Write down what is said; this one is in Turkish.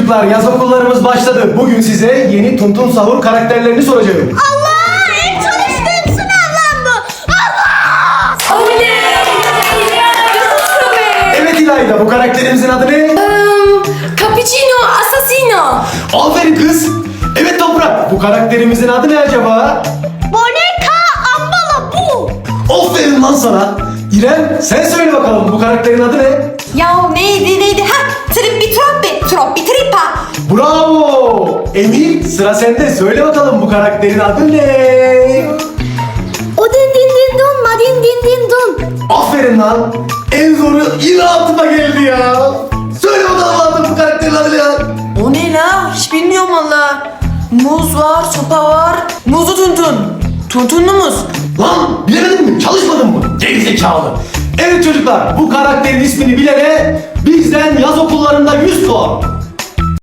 çocuklar, yaz okullarımız başladı. Bugün size yeni Tuntun Sahur karakterlerini soracağım. Allah! En çalıştığım sınav lan bu! Allah! Evet İlayda, bu karakterimizin adı ne? Cappuccino Assassino. Aferin kız. Evet Toprak, bu karakterimizin adı ne acaba? Boneka ambala bu! Aferin lan sana. İrem, sen söyle bakalım, bu karakterin adı ne? Ya neydi? Trippi trippa. Bravo! Emir, sıra sende. Söyle bakalım, bu karakterin adı ne? O din din din dun ma din din din dun. Aferin lan. En zoru yine aklıma geldi ya. Söyle bakalım lan, bu karakterin adı ne ya? O ne la? Hiç bilmiyorum valla. Muz var, sopa var. Muzlu tuntun. Tuntunlu muz. Lan bilemedin mi? Çalışmadın mı? Gerizekalı. Evet çocuklar, bu karakterin ismini bilene bizden yaz okullarında 100 puan.